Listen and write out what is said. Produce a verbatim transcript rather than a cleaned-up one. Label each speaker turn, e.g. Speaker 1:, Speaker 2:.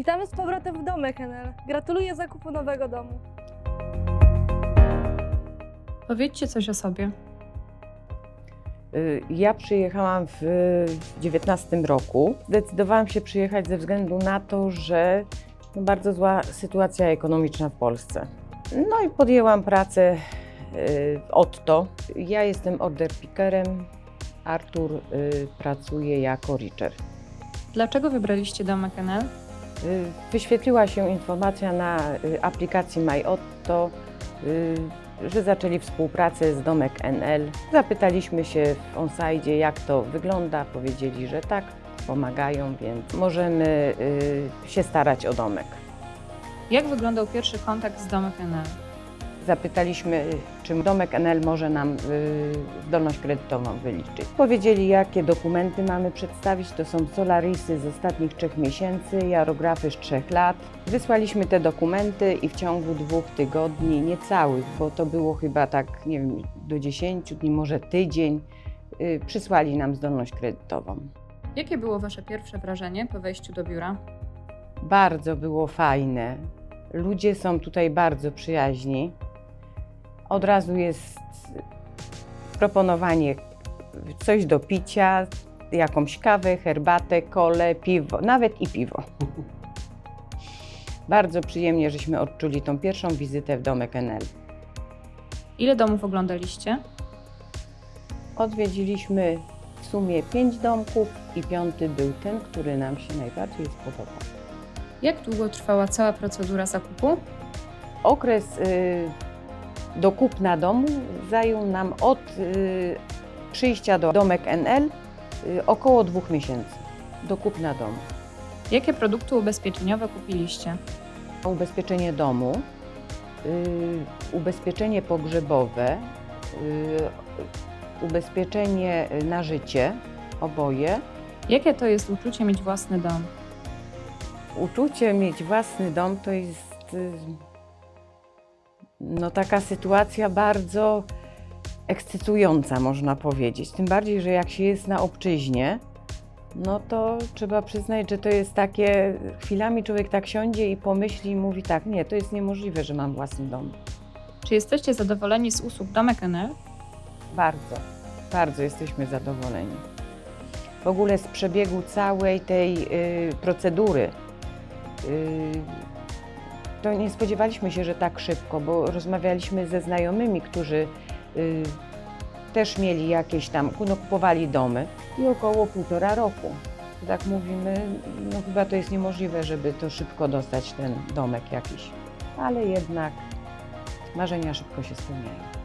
Speaker 1: Witamy z powrotem w Domek N L. Gratuluję zakupu nowego domu.
Speaker 2: Powiedzcie coś o sobie.
Speaker 3: Ja przyjechałam w dziewiętnastym roku. Zdecydowałam się przyjechać ze względu na to, że no bardzo zła sytuacja ekonomiczna w Polsce. No i podjęłam pracę w Otto. Ja jestem order pickerem, Artur pracuje jako reacher.
Speaker 2: Dlaczego wybraliście Domek N L?
Speaker 3: Wyświetliła się informacja na aplikacji MyOtto, że zaczęli współpracę z Domek N L. Zapytaliśmy się w onsite, jak to wygląda. Powiedzieli, że tak, pomagają, więc możemy się starać o domek.
Speaker 2: Jak wyglądał pierwszy kontakt z Domek N L?
Speaker 3: Zapytaliśmy, czy Domek N L może nam zdolność kredytową wyliczyć. Powiedzieli, jakie dokumenty mamy przedstawić. To są solarisy z ostatnich trzech miesięcy, jarografy z trzech lat. Wysłaliśmy te dokumenty i w ciągu dwóch tygodni, niecałych, bo to było chyba tak, nie wiem, do dziesięciu dni, może tydzień, przysłali nam zdolność kredytową.
Speaker 2: Jakie było Wasze pierwsze wrażenie po wejściu do biura?
Speaker 3: Bardzo było fajne. Ludzie są tutaj bardzo przyjaźni. Od razu jest proponowanie coś do picia, jakąś kawę, herbatę, kolę, piwo, nawet i piwo. Bardzo przyjemnie, żeśmy odczuli tą pierwszą wizytę w Domek N L.
Speaker 2: Ile domów oglądaliście?
Speaker 3: Odwiedziliśmy w sumie pięć domków i piąty był ten, który nam się najbardziej spodobał.
Speaker 2: Jak długo trwała cała procedura zakupu?
Speaker 3: Okres y, do kupna domu zajął nam od y, przyjścia do Domek N L y, około dwóch miesięcy do kupna domu.
Speaker 2: Jakie produkty ubezpieczeniowe kupiliście?
Speaker 3: Ubezpieczenie domu, y, ubezpieczenie pogrzebowe, y, ubezpieczenie na życie, oboje.
Speaker 2: Jakie to jest uczucie mieć własny dom?
Speaker 3: Uczucie mieć własny dom to jest y, no, taka sytuacja bardzo ekscytująca, można powiedzieć. Tym bardziej, że jak się jest na obczyźnie, no to trzeba przyznać, że to jest takie, chwilami człowiek tak siądzie i pomyśli i mówi tak, nie, to jest niemożliwe, że mam własny dom.
Speaker 2: Czy jesteście zadowoleni z usług Domek N L?
Speaker 3: Bardzo, bardzo jesteśmy zadowoleni. W ogóle z przebiegu całej tej y, procedury. y, To nie spodziewaliśmy się, że tak szybko, bo rozmawialiśmy ze znajomymi, którzy y, też mieli jakieś tam, no, kupowali domy i około półtora roku. Tak mówimy, no chyba to jest niemożliwe, żeby to szybko dostać ten domek jakiś, ale jednak marzenia szybko się spełniają.